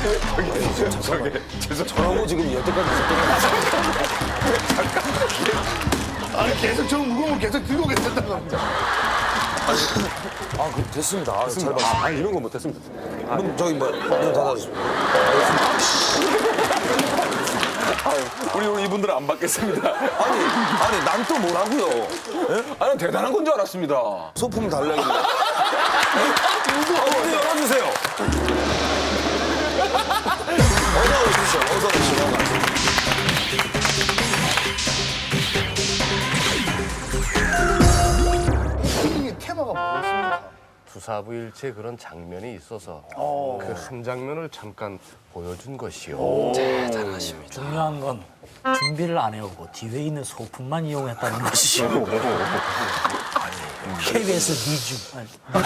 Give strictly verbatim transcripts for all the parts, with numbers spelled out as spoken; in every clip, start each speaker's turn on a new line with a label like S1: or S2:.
S1: 저기 죄송.
S2: 저러고 지금 여태까지 있었던 거
S3: 아니 계속 저 무거운 계속 들고 계셨단 겁니다.
S2: 아, 그 됐습니다. 아, 잘 봤습니다.
S1: 아, 아니, 이런 거 못했습니다.
S2: 문 저기 뭐, 문 닫아주십시오.
S1: 우리 우리 이분들은 안 받겠습니다.
S2: 아니, 아니, 난 또 뭐라고요?
S1: 아니, 대단한 건 줄 알았습니다.
S2: 소품 달라길래. 아, 문 열어주세요. 어서 오십시오. 어서 오십시오.
S3: 이 테마가 뭐였습니까?
S4: 투사부일체 그런 장면이 있어서 그 한 장면을 잠깐 보여준 것이요. 자, 잘하십니다.
S5: 중요한 건 준비를 안 해오고 뒤에 있는 소품만 이용했다는 것이죠. 케이비에스 니주.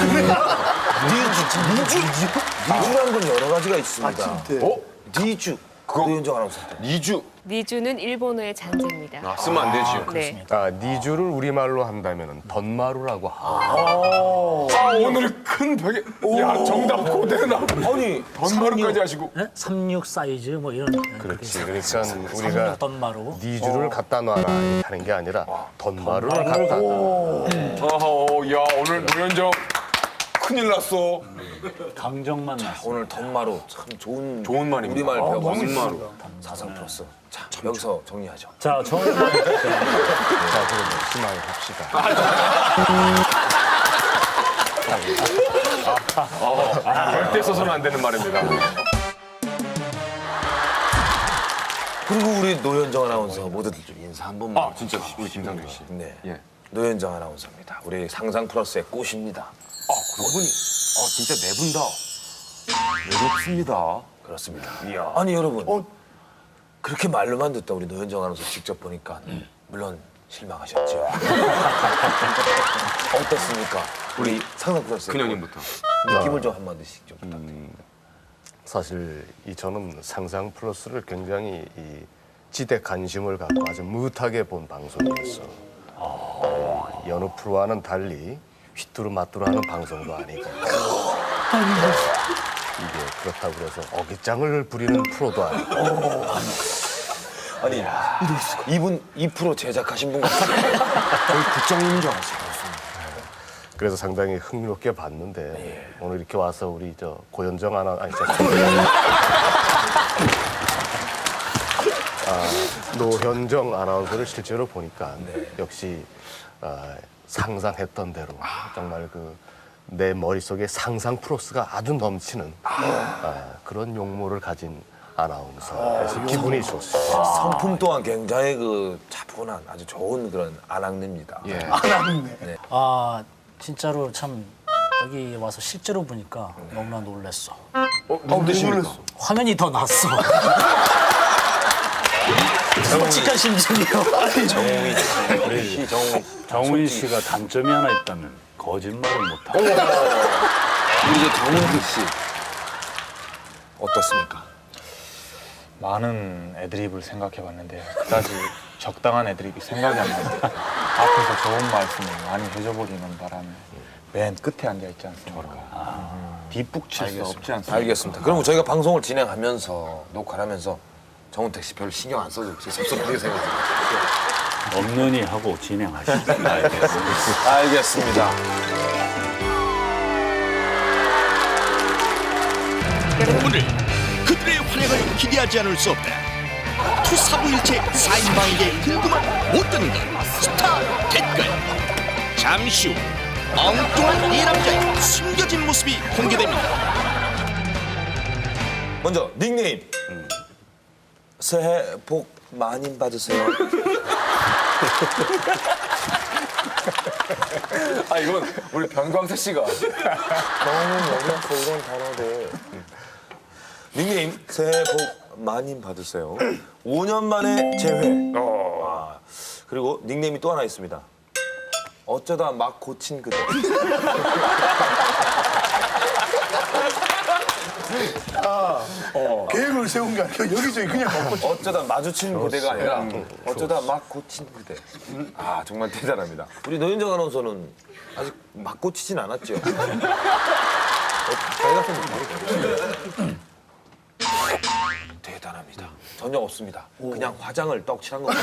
S2: 니주, 니주? 니주라는 건 여러 가지가 있습니다.
S1: 어?
S2: 니주. 노현정 아나운서.
S1: 니주.
S6: 니주는 일본어의 잔재입니다.
S1: 아, 쓰면 안 되지요.
S6: 네.
S4: 아, 니주를 우리말로 한다면 던마루라고 하고.
S1: 아, 오늘 큰 벽에. 야, 정답 그대로 나.
S2: 아니,
S1: 던마루까지 하시고.
S5: 네? 삼십육 사이즈 뭐 이런.
S4: 그렇지. 그러니까 우리가
S5: 삼십육 던마루.
S4: 니주를 갖다 놔라 이렇게 하는 게 아니라 던마루를 갖다 놔.
S1: 어허, 야, 오늘 노현정 큰일 났어.
S5: 강정만 났어.
S2: 오늘 던마루 참 좋은
S1: 좋은 말입니다.
S2: 우리말
S1: 아,
S2: 배워봤습니다.
S1: 던마루.
S2: 사상 플러스. 자, 여기서 정리하죠.
S5: 자, 저는
S4: 자, 그럼 심하게 합시다.
S1: 절대 써서는 안 되는 말입니다.
S2: 그리고 우리 노현정 아나운서 모두들 좀 인사 한 번만.
S1: 아, 진짜 우리 김상준 씨.
S2: 네.
S1: 예.
S2: 노현정 아나운서입니다. 우리 상상 플러스의 꽃입니다.
S1: 아, 그분이. 아, 진짜 네 분 다. 외롭습니다.
S2: 그렇습니다.
S1: 이야.
S2: 아니 여러분, 그렇게 말로만 듣다 우리 노현정 아나운서 직접 보니까 물론 실망하셨죠. 어떻습니까? 우리 상상 플러스의
S1: 큰형님부터.
S2: 꽃. 느낌을 좀 한마디씩 좀 부탁드립니다.
S4: 사실 이 저는 상상 플러스를 굉장히 이 지대 관심을 갖고 아주 무하게 본 방송이었어. 어, 여느 프로와는 달리 휘뚜루마뚜루하는 방송도 아니고 이게 그렇다고 그래서 어깃장을 부리는 프로도 아니고
S2: 아니, 이분 이 프로 제작하신 분 같아요.
S1: 거의 국장님인 줄 알았어요.
S4: 그래서 상당히 흥미롭게 봤는데 오늘 이렇게 와서 우리 저 고현정 아나 아니 저 아, 노현정 아나운서를 실제로 보니까 역시 아, 상상했던 대로 정말 그 내 머릿속에 상상 플러스가 아주 넘치는 아, 그런 용모를 가진 아나운서. 그래서 기분이 좋습니다.
S2: 성품 또한 굉장히 그 차분한 아주 좋은 그런 아낙네입니다.
S1: 예.
S5: 아, 진짜로 참 여기 와서 실제로 보니까 너무나 놀랐어.
S1: 어, 누구십니까?
S5: 화면이 더 낫어. 솔직한 심정이요.
S2: 정우희 씨, 정우희.
S7: 정훈 씨가 단점이 하나 있다면 거짓말을 못하고.
S2: 우리 이제 정우희 씨 어떻습니까?
S8: 많은 애드립을 생각해봤는데 그다지 적당한 애드립이 생각이 안 나요. 앞에서 좋은 말씀을 많이 해줘버리는 바람에 맨 끝에 앉아있지 않습니까? 뒷북칠 수 없지 않습니까?
S2: 알겠습니다. 그럼 저희가 방송을 진행하면서 녹화를 하면서 정우택 씨 별로 신경 안 써도 섭섭하게 생각해요.
S7: 없느니 하고 진행하시죠. 알겠습니다.
S2: 알겠습니다.
S9: 오늘 그들의 활약을 기대하지 않을 수 없다. 투사부일체 사인방에게 궁금한 모든 것 스타 댓글. 잠시 후 엉뚱한 이 남자의 숨겨진 모습이 공개됩니다.
S2: 먼저 닉네임. 새해 복 많이 받으세요.
S1: 아, 이건 우리 변광태 씨가.
S2: 너무 어려서 이런 단어들. 닉네임 새해 복 많이 받으세요. 오 년 만에 재회. 아, 그리고 닉네임이 또 하나 있습니다. 어쩌다 막 고친 그대.
S3: 계획을 세운 게 아니라 여기저기 그냥 먹고
S2: 어쩌다 마주친 그대가 아니라 어쩌다 막 고친 그대. 아 정말 대단합니다. 우리 노현정 아나운서는 아직 막 고치진 않았죠. 어, 가까이 가서 좀 바로 대단합니다. 전혀 없습니다. 그냥 화장을 떡칠한 겁니다.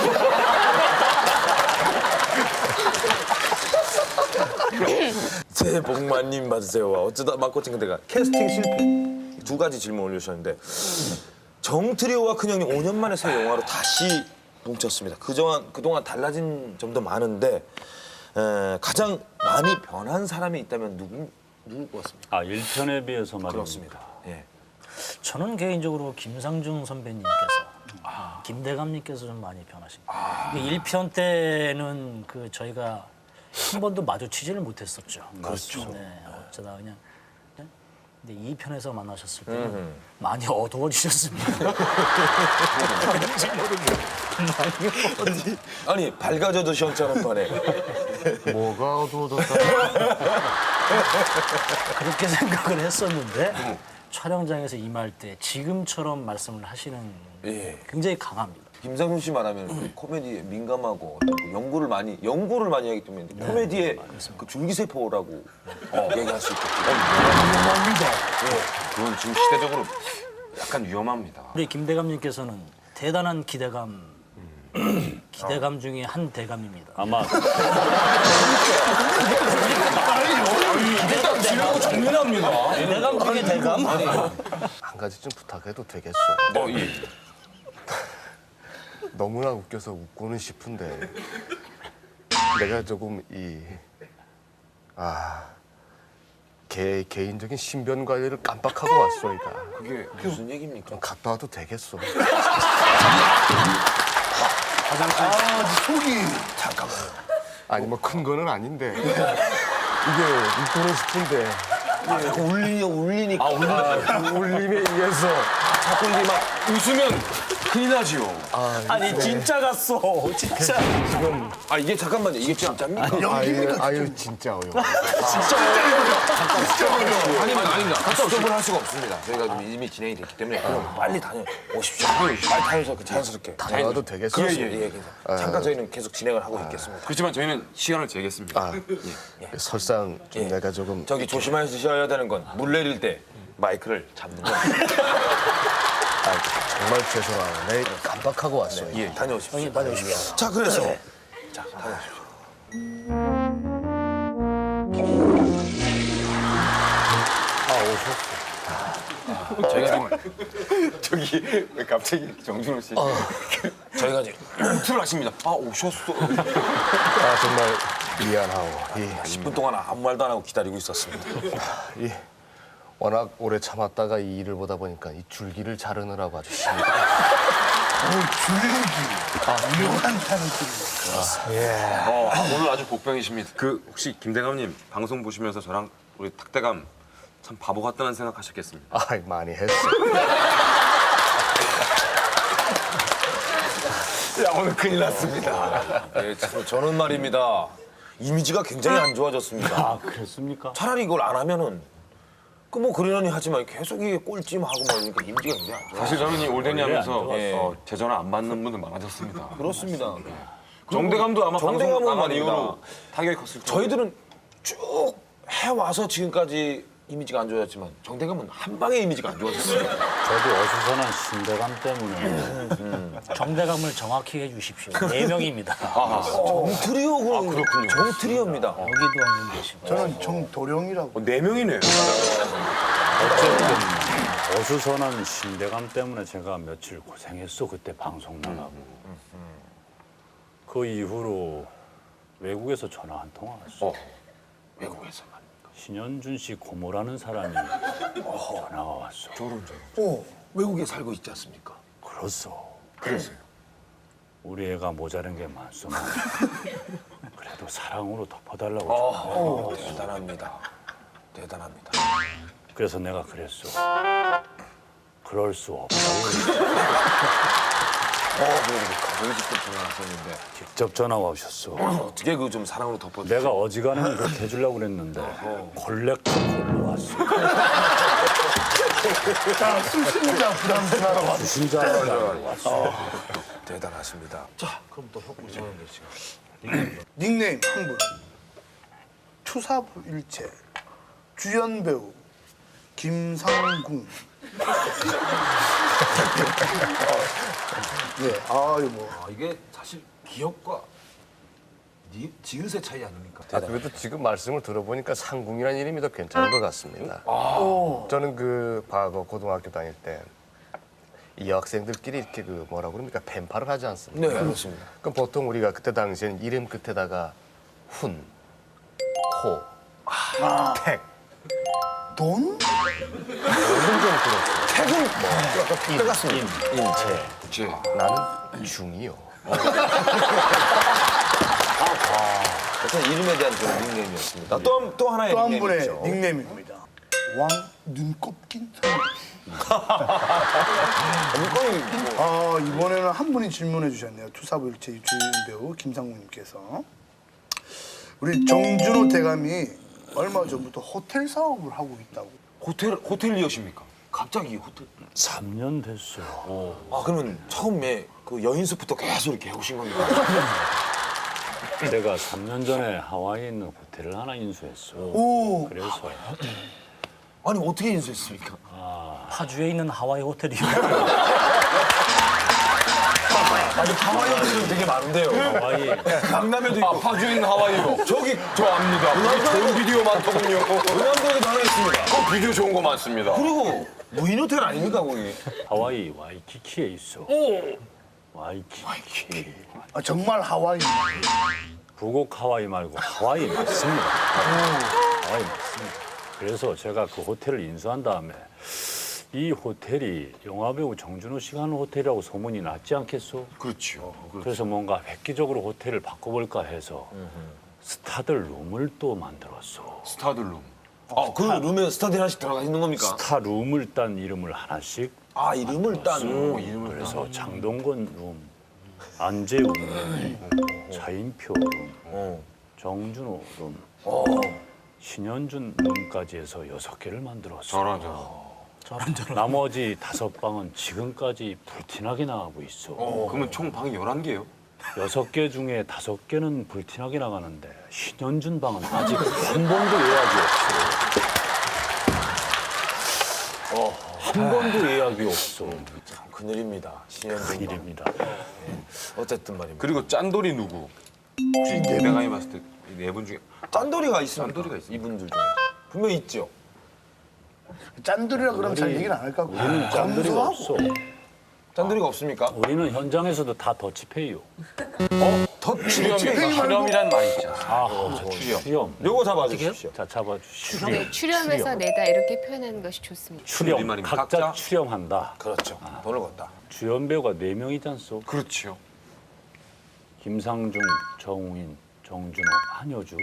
S2: 새해 복 많이 받으세요와 어쩌다 맞고친 그대가 캐스팅 실패 두 가지 질문 올려주셨는데 정트리오와 큰형님 오 년 만에 새 영화로 다시 뭉쳤습니다. 그동안 그동안 달라진 점도 많은데 에, 가장 많이 변한 사람이 있다면 누구 누굴 것 같습니까?
S7: 아, 일 편에 비해서 말입니다.
S2: 그렇습니다. 예.
S5: 저는 개인적으로 김상중 선배님께서 김대감님께서 좀 많이 변하십니다. 일 편 때는 그 저희가 한 번도 마주치지를 못했었죠. 그렇죠. 네, 어쩌다 그냥. 네? 근데 이 편에서 만나셨을 때는 많이 어두워지셨습니다. 왠지 모르게 많이 어두워.
S2: 아니 밝아져도 시원찮은 판에
S4: 뭐가 어두워졌다.
S5: 그렇게 생각을 했었는데 촬영장에서 임할 때 지금처럼 말씀을 하시는
S2: 예.
S5: 굉장히 강합니다.
S2: 김상중 씨 말하면 코미디에 민감하고 어떤 그 연구를 많이 연구를 많이 하기 때문에 코미디의 그 줄기세포라고 어, 얘기할 수 있겠죠.
S1: 그건 지금 시대적으로 약간 위험합니다.
S5: 우리 김대감님께서는 대단한 기대감, 기대감 중에 한 대감입니다.
S7: 아마
S5: 대감 중에 대감?
S4: 한 가지 좀 부탁해도 되겠어.
S1: 뭐, 예.
S4: 너무나 웃겨서 웃고는 싶은데 내가 조금 이 아. 개, 개인적인 신변 관리를 깜빡하고 왔소이다.
S2: 그게 무슨 얘기입니까?
S4: 좀 갔다 와도 되겠어.
S3: 아, 속이.
S4: 아니 뭐 큰 거는 아닌데 이게 웃고는 싶은데
S2: 자꾸 울리니 울리니까
S4: 아, 울림에 의해서
S2: 자꾸 이게 막
S1: 웃으면 큰일 나지요.
S5: 아니 진짜 갔어, 진짜.
S4: 지금
S2: 아 이게 잠깐만요 이게 진짜입니까?
S4: 아유, 아유 진짜 어려워.
S2: 아닙니다 아닙니다 스톱을 할 수가 없습니다. 저희가 좀 이미 진행이 됐기 때문에 그럼 빨리 다녀오십시오. 빨리 다녀서 그 자연스럽게
S4: 다녀와도 되겠어.
S2: 그렇습니다. 예, 괜찮아요. 잠깐 저희는 계속 진행을 하고 있겠습니다.
S1: 그렇지만 저희는 시간을 재겠습니다.
S4: 아, 설상 좀
S2: 예.
S4: 내가 조금
S2: 저기 조심하셔야 되는 건 물 내릴 때 마이크를 잡는 거.
S4: 아, 정말 죄송하고 내 깜빡하고 왔어요.
S2: 예, 다녀오십시오.
S5: 형님 다녀오십시오.
S2: 자, 그래서 자, 다녀오십시오.
S1: 저희가 지금 저기 왜 갑자기 정준호 씨
S2: 저희가 이제 틀을 하십니다. 아, 오셨어.
S4: 아 정말 미안하오. 이,
S2: 십 분 동안 아무 말도 안 하고 기다리고 있었습니다.
S4: 이 워낙 오래 참았다가 이 일을 보다 보니까 이 줄기를 자르느라고 아주 힘이 들어.
S3: 줄기. 묘한 타는길.
S1: 어, 오늘 아주 복병이십니다. 그 혹시 김대감님 방송 보시면서 저랑 우리 탁대감 참 바보 같다는 생각하셨겠습니다.
S4: 아 많이 했어.
S2: 야, 오늘 큰일 났습니다. 네, 참, 저는 말입니다. 이미지가 굉장히 안 좋아졌습니다.
S7: 아, 그랬습니까?
S2: 차라리 이걸 안 하면은 그 뭐 그러려니 하지만 계속 이게 꼴찌하고 막 이러니까 이미지가 굉장히 안 좋아.
S1: 사실 저는 이 올드니 하면서
S2: 예.
S1: 어, 제 전화 안 받는 분들 많아졌습니다.
S2: 그렇습니다.
S1: 정대감도 아마
S2: 정대감은
S1: 방송 나간
S2: 말입니다.
S1: 이후로 타격이 컸을 거예요.
S2: 저희들은 쭉 해와서 지금까지 이미지가 안 좋아졌지만 정대감은 한 방에 이미지가 안 좋아졌어요.
S7: 저도 어수선한 신대감 때문에
S5: 정대감을 정확히 해주십시오. 네 명입니다.
S2: 정트리오고 아, 그렇군요. 정트리오입니다.
S5: 여기도 한 분 계시고.
S3: 저는 정도령이라고.
S1: 어, 네 명이네요.
S7: 어쨌든 어수선한 신대감 때문에 제가 며칠 고생했어. 그때 방송 나가고. 그 이후로 외국에서 전화 한 통 왔어.
S1: 어, 외국에서 말입니까?
S7: 신현준 씨 고모라는 사람이 전화가 왔어.
S2: 어, 외국에 살고 있지 않습니까?
S7: 그렇소. 그랬어요. 우리 애가 모자란 게 많소만 그래도 사랑으로 덮어달라고.
S2: 어, 대단합니다. 대단합니다.
S7: 그래서 내가 그랬어. 그럴 수 없다고.
S2: 어, 그래도 가족이 직접 전화하셨는데
S7: 직접 전화가 오셨어.
S2: 어떻게 그 좀 사랑으로 덮어?
S7: 내가 어지간하면 그렇게 해주려고 그랬는데 콜렉터 콜로 왔어.
S3: 자, 수신자 부담스러워. 왔어.
S7: 수신자가 왔어.
S2: 대단하십니다. 자, 그럼 또 우리 정현대 씨가
S3: 닉네임 한 분. 투사부일체. 주연 배우 김상궁. 네, 아유 뭐.
S2: 아, 이게 사실 기억과 니, 지읒의 차이 아닙니까?
S4: 아, 그래도 지금 말씀을 들어보니까 상궁이라는 이름이 더 괜찮은 것 같습니다. 저는 그 과거 고등학교 다닐 때 이 여학생들끼리 이렇게 그 뭐라 그럽니까 펜팔을 하지 않습니까?
S2: 네, 그렇습니다.
S4: 그럼 보통 우리가 그때 당시에는 이름 끝에다가 훈, 호, 택
S3: 돈?
S2: 태국 뭐 약간 피 같습니다.
S4: 인체
S1: 국제.
S4: 나는 중이요.
S2: 어떤 이름에 대한 그런 닉네임이었습니다. 또, 또 하나의
S3: 또 한
S2: 닉네임이
S3: 분의
S2: 있죠.
S3: 닉네임입니다. 왕 눈꼽긴 사람.
S2: 물건이 뭐
S3: 아, 이번에는 한 분이 질문해 주셨네요. 투사부일체 주연 배우 김상무님께서. 우리 정준호 대감이 얼마 전부터 호텔 사업을 하고 있다고.
S2: 호텔 호텔리어십니까? 갑자기 호텔.
S7: 삼 년 됐어요.
S2: 아 그러면 처음에 그 여인숙부터 계속 이렇게 해오신 겁니까?
S7: 제가 삼 년 전에 하와이에 있는 호텔을 하나 인수했어.
S3: 오,
S7: 그래서
S2: 아니 어떻게 인수했습니까?
S5: 파주에 있는 하와이 호텔이요.
S2: 아니 하와이 호텔은 되게 많은데요.
S7: 하와이
S2: 강남에도 있고.
S1: 아, 파주에 있는 하와이요. 저기 저 압니다. 거기 좋은 비디오 많더군요.
S2: 은암동에도 하나 있습니다.
S1: 그 비디오 좋은 거 많습니다.
S2: 그리고 무인 호텔 아닙니까 거기?
S7: 하와이 와이키키에 있어. 와이키키.
S3: 아, 정말 하와이.
S7: 북옥 하와이 말고 하와이 맞습니다. 하와이 맞습니다. 그래서 제가 그 호텔을 인수한 다음에 이 호텔이 영화배우 정준호 씨가 하는 호텔이라고 소문이 났지 않겠소?
S1: 그렇죠.
S7: 그래서 뭔가 획기적으로 호텔을 바꿔볼까 해서 스타들 룸을 또 만들었어.
S1: 스타들룸.
S2: 아 그 룸에 스타디 하나씩 들어가 있는 겁니까?
S7: 스타 룸을 딴 이름을 하나씩.
S2: 아 이름을 딴.
S7: 음, 그래서 장동건 룸, 안재웅 룸, 차인표 룸,
S2: 어.
S7: 정준호 룸, 신현준 룸까지 해서 여섯 개를 만들었어.
S1: 저런 저.
S5: 저런 저런.
S7: 나머지 다섯 방은 지금까지 불티나게 나가고 있어.
S1: 그러면 총 방이 열한 개요?
S7: 여섯 개 중에 다섯 개는 불티나게 나가는데 신현준 방은 아직 한 번도 예약이 없어. 어, 한 번도 예약이 없어.
S2: 참 큰일입니다. 신현준.
S7: 일입니다.
S2: 어쨌든 말입니다.
S1: 그리고 짠돌이 누구? 혹시 김대감이 봤을 때 네 분 중에
S2: 짠돌이가 있습니까?
S1: 짠돌이가 있습니까?
S2: 이분들 중에 분명 히 있죠.
S3: 짠돌이라 그러면 잘 얘기는 안 할까?
S7: 우리는 짠들이가 없어.
S2: 짠돌이가 없습니까?
S7: 우리는 현장에서도 다 더치페이요.
S2: 더
S1: 출연이 출연이란 말 있잖아.
S7: 아, 출연. 출연.
S2: 요거 잡아주십시오.
S7: 자, 잡아주시오.
S6: 네, 출연해서 내다 이렇게 표현하는 것이 좋습니다.
S7: 출연.
S1: 우리말입니다.
S7: 각자
S1: 각자?
S7: 출연한다.
S2: 그렇죠. 돈을 걷다.
S7: 주연 배우가 네 명이지 않소?
S1: 그렇죠.
S7: 김상중, 정우인, 정준호, 한효주.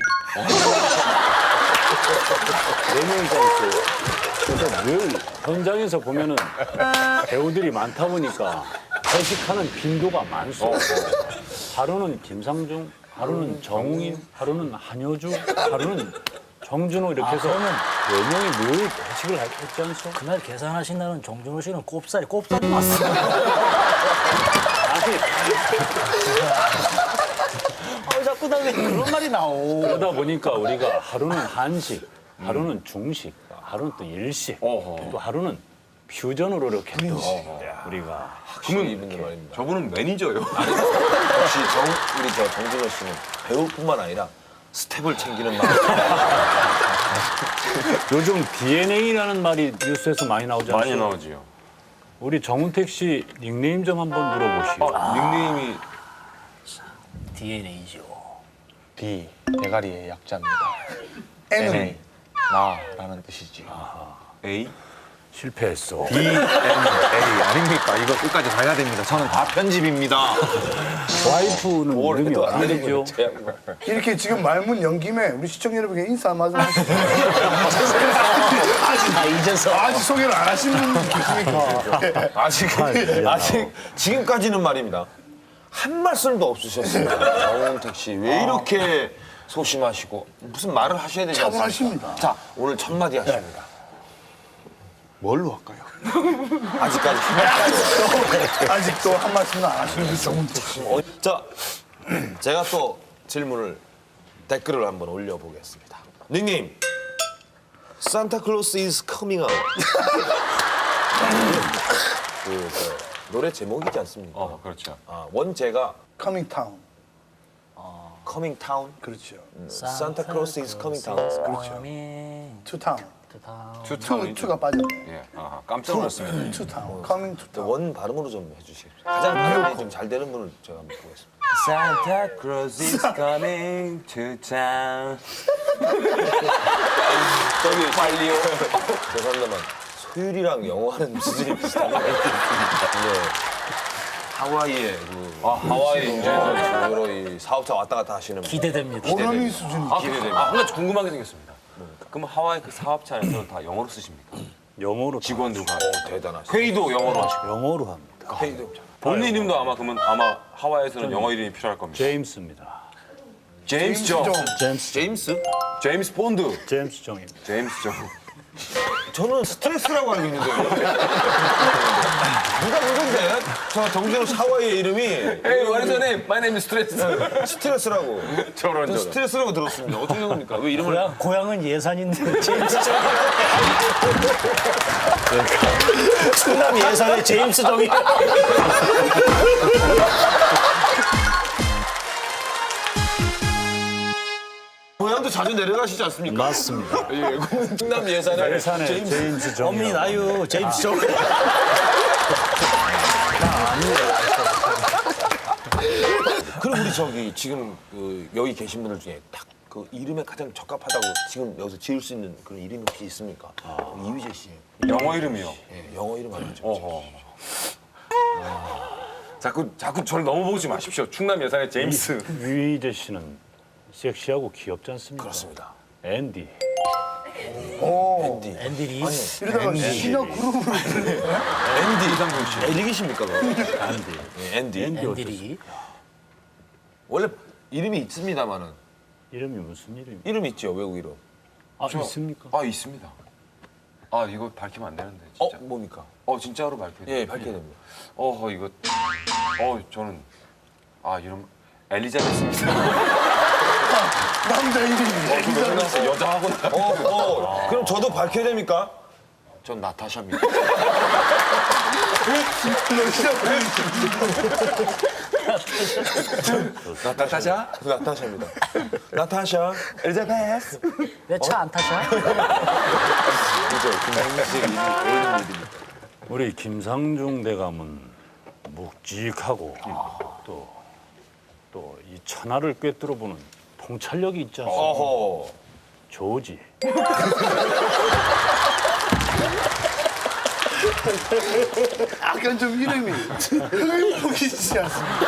S7: 네 명이지 않소? 그래서 늘 현장에서 보면은 배우들이 많다 보니까 회식하는 빈도가 많소. 하루는 김상중, 하루는 정우인, 하루는 한효주, 하루는 정준호 이렇게 해서 네 명이 늘 회식을 했지 않소?
S5: 그날 계산하신다는 정준호 씨는 꼽살이 꼽살이 맞어.
S7: 아니,
S5: 아, 자꾸 나 왜 그런 말이 나오.
S7: 그러다 보니까 우리가 하루는 한식, 하루는 중식, 하루는 또 일식,
S1: 어허.
S7: 또 하루는 퓨전으로 이렇게 또 우리가
S2: 그러면 이분들 말입니다.
S1: 저분은 매니저요.
S2: 역시 정, 우리 저 정준호 씨는 배우뿐만 아니라 스텝을 챙기는 마음.
S7: 요즘 디엔에이라는 말이 뉴스에서 많이 나오지 않습니까?
S1: 많이 나오지요.
S7: 우리 정은택 씨 닉네임 좀 한번 물어보시오.
S1: 아, 닉네임이
S5: 디엔에이죠.
S8: D 대가리의 약자입니다.
S3: N은
S8: N 나라는 뜻이지.
S1: A?
S7: 실패했어.
S1: D, N, A 아닙니까? 이거 끝까지 가야 됩니다. 저는 다 편집입니다.
S7: 와이프는 이름이 어떻게 되죠?
S3: 이렇게 지금 말문 연김에 우리 시청자 여러분께 인사 한마디 하시죠. 아직,
S5: 아, 잊어서.
S3: 아직 소개를 안 하신 분 계십니까?
S2: 아직 아직 지금까지는 말입니다. 한 말씀도 없으셨습니다. 정은택 씨 왜 이렇게 소심하시고 무슨 말을 하셔야 되지 않습니까?
S3: 차분하십니다.
S2: 자 오늘 첫 마디 하십니다.
S8: 뭘로 할까요?
S2: 아직까지 한
S3: 아직도 한 말씀도 안 하시는 분 정은택 씨.
S2: 어, 자, 제가 또 질문을 댓글을 한번 올려보겠습니다. 닉네임 산타클로스 is coming out. 그 저, 노래 제목이지 않습니까?
S1: 어, 그렇죠.
S2: 아, 원제가
S3: 커밍 타운.
S2: Coming Town,
S3: 그렇죠.
S2: Santa Claus is Coming Town.
S3: 그렇죠. 투 타운.
S1: 투
S3: 투,
S1: 타운이죠.
S3: 투가 빠졌네.
S1: 예, 아하, 깜짝 놀랐습니다.
S3: 투 타운. 커밍 투 타운.
S2: 원 발음으로 좀 해주시겠어요? 가장 발음이 좀 잘 되는 분을 제가 한번 보겠습니다.
S1: Santa Claus is coming to town.
S2: 저기 빨리요. 죄송합니다만 소율이랑 영어하는 수준이 비슷하네요. 네. 하와이에 그
S1: 아, 하와이 이제
S2: 여러 이 사업자 왔다 갔다 하시는 분.
S5: 기대됩니다.
S3: 오너미 수준이.
S1: 아, 기대됩니다. 아, 한 가지 궁금한 게 생겼습니다. 그럼 하와이 그 사업체 안에서는 다 영어로 쓰십니까?
S7: 영어로 다
S1: 직원들과
S2: 오, 대단하시다.
S1: 회의도 영어로 하시고
S7: 영어로 합니다.
S2: 회의도
S1: 본인 이름도 아마 그러면 아마 하와이에서는 영어 이름이 필요할 겁니다.
S7: 제임스입니다.
S1: 제임스 정,
S7: 제임스
S2: 제임스?
S1: 제임스 본드,
S7: 제임스 정입니다.
S1: 제임스 정.
S2: 저는 스트레스라고 알고 있는데요. 누가 그건데? 저 정준호 하와이의 이름이
S1: Hey, what is your name? My name is Stress.
S2: 스트레스라고.
S1: 저런
S2: 저
S1: 저런.
S2: 스트레스라고 들었습니다. 어떻게 된 겁니까? 왜 이름을
S5: 고향, 고향은 예산인데 제임스 정. 충남 예산의 제임스 정이.
S2: 고향도 자주 내려가시지 않습니까?
S7: 맞습니다.
S2: 예, 충남 예산에
S7: 예산의 제임스, 정.
S5: 엄니 나유 제임스 정.
S2: 그럼 우리 저기 지금 그 여기 계신 분들 중에 딱 그 이름에 가장 적합하다고 지금 여기서 지을 수 있는 그런 이름이 혹시 있습니까? 이휘재 씨.
S1: 영어 이름이요.
S2: 예, 영어 이름 알죠?
S1: 어허. 자꾸 자꾸 저를 넘어보지 마십시오. 충남 예산의 제임스.
S7: 유희재 씨는 섹시하고 귀엽지 않습니까?
S2: 그렇습니다.
S7: 앤디.
S3: 오.
S2: 앤디.
S5: 앤디리.
S3: 이러다가 신화 그룹으로
S2: 앤디 이상준 씨. 엘릭이십니까? 그거?
S7: 앤디.
S2: 예, 앤디.
S7: 앤디 어땠어요?
S5: 앤디리.
S2: 원래 이름이 있습니다만은
S7: 이름이 무슨 이름이?
S2: 이름 있죠 외국 이름.
S7: 아 있습니까?
S1: 아 있습니다. 아 이거 밝히면 안 되는데
S2: 어
S1: 진짜.
S2: 뭡니까?
S1: 어, 진짜로 밝혀야 돼요.
S2: 예, 밝혀야 됩니다.
S1: 어허 이거. 어 저는 아 이름 엘리자베스입니다.
S3: 남자 이름이.
S1: 생각했어 여자하고 나.
S2: 어, 어. 그럼 저도 밝혀야 됩니까?
S1: 전 나타샤입니다. 나타샤?
S2: 나타샤입니다. 나타샤. 엘리자베스.
S5: 왜 차 안 타셔?
S2: 그죠. 김상민 씨의 이름이 어울리는 이름입니다.
S7: 우리 김상중 대감은 묵직하고 또 또 이 천하를 꿰뚫어 보는 통찰력이 있지 않습니까?
S2: 어허.
S7: 조지.
S3: 약간 좀 이름이 흑인폭이지 않습니까?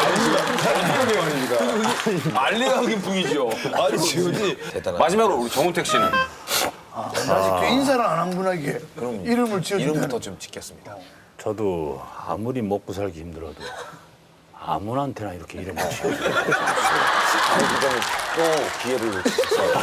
S2: 알리가 흑인 풍이죠. 아니 지훈이 대단하다.
S1: 마지막으로 우리 정우택 씨는
S3: 아직 인사를 안 한 분에게 이름을 지어준다는.
S2: 이름부터 좀 짓겠습니다.
S7: 저도 아무리 먹고 살기 힘들어도 아무한테나 이렇게 이름을 지어요.
S2: 아니 그거는 또 기회를 놓치셨어요.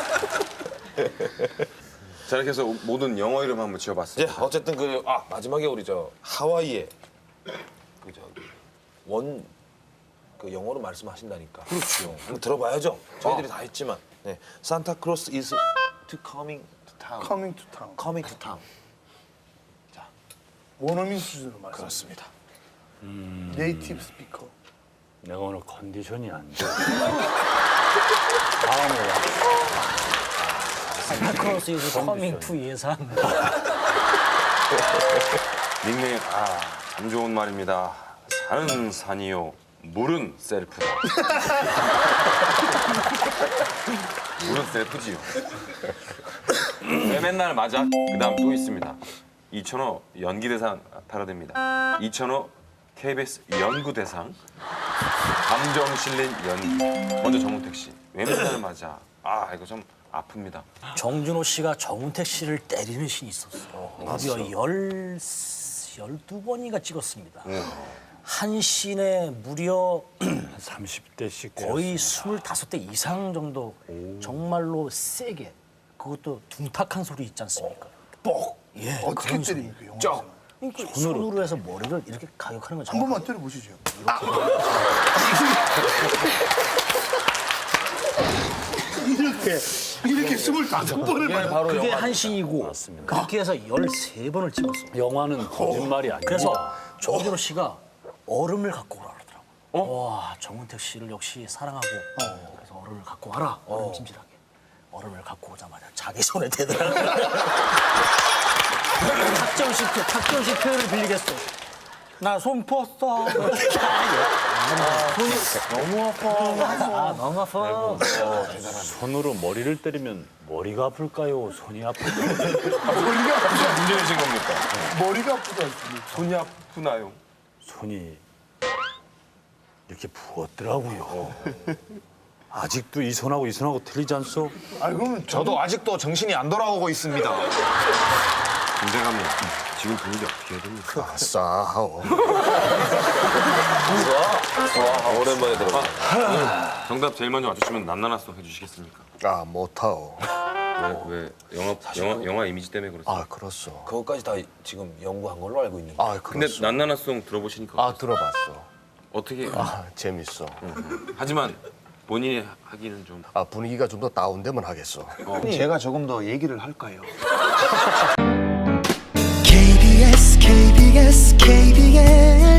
S1: 자 이렇게 해서 모든 영어 이름 한번
S2: 이제
S1: 지어봤습니다.
S2: 어쨌든 그 아 마지막에 우리 저 하와이에 그 저기 원 그 영어로 말씀하신다니까. 그렇죠. 한번 들어봐야죠. 저희들이 다 했지만. 네. Santa Claus is to coming to town.
S3: 커밍 투 타운.
S2: coming to town.
S3: 원어민 수준으로 말씀.
S2: 그렇습니다.
S3: 네이티브 스피커.
S7: 내가 오늘 컨디션이 안 좋아. 다음으로
S5: 산타크로스 is coming to 예산.
S1: 닉네임 아참 좋은 말입니다. 산은 산이요 물은 셀프다. 물은 셀프지요. 왜 맨날 맞아? 그다음 또 있습니다. 이천오 연기대상 패러디입니다. 이천오 케이비에스 연구대상 감정 실린 연기. 먼저 정우택 씨. 왜 맨날 맞아? 아 이거 좀 아픕니다.
S5: 정준호 씨가 정운택 씨를 때리는 신이 있었어요. 무려 열 열두 번인가 찍었습니다. 한 씬에 무려
S7: 삼십 대씩
S5: 거의 스물다섯 대 이상 정도 정말로 세게 그것도 둔탁한 소리 있지 않습니까?
S3: 뻑.
S5: 예,
S3: 어떻게
S5: 그런 소리.
S3: 때립니까 영어?
S2: 쩍.
S5: 그러니까 손으로 해서 머리를 이렇게 가격하는 거죠.
S3: 한 번만 때려보시죠. 이렇게 이렇게 스물다섯 번을
S2: 이게
S3: 받아.
S2: 바로
S5: 그게
S2: 영화.
S5: 한 신이고 그렇게 해서 열세 번을 찍었어.
S7: 영화는 거짓말이 아니고
S5: 그래서 정준호 씨가 얼음을 갖고 오라 그러더라고. 와, 정은택 씨를 역시 사랑하고 그래서 얼음을 갖고 와라. 얼음 찜질하게. 얼음을 갖고 오자마자 자기 손에 대더라고. 탁정식 표, 탁정식 표현을 빌리겠어. 나 손 부었어. 손이 너무 아파. 아, 너무 아파.
S7: 손으로 머리를 때리면 머리가 아플까요? 손이 아플까요?
S3: 머리가 아프다.
S1: 문제이신 겁니까?
S3: 머리가 아프다. 했습니다.
S1: 손이 아프나요?
S7: 손이 이렇게 부었더라고요. 아직도 이 손하고 이 손하고 틀리지 않소?
S3: 아 그러면 저
S8: 저도 아직도 정신이 안 돌아오고 있습니다.
S1: 김대감님 지금 분위기 어떻게 해야 됩니까?
S4: 아싸하오.
S2: 와, 오랜만에 들어봐.
S1: 정답 제일 먼저 맞추시면 난나나송 해주시겠습니까?
S4: 아 못하오.
S1: 왜, 왜 영화, 영화, 영화 이미지 때문에 그렇습니까?
S4: 아 그렇소.
S2: 그것까지 다 지금 연구한 걸로 알고 있는데.
S4: 아
S1: 근데
S4: 그렇소.
S1: 난나나송 들어보시니까
S4: 아 들어봤어.
S1: 어떻게
S4: 아 재밌어.
S1: 하지만 본인이 하기는 좀
S4: 아 분위기가 좀 더 다운되면 하겠어.
S8: 제가 조금 더 얘기를 할까요?
S10: 케이비에스 케이비에스 케이비에스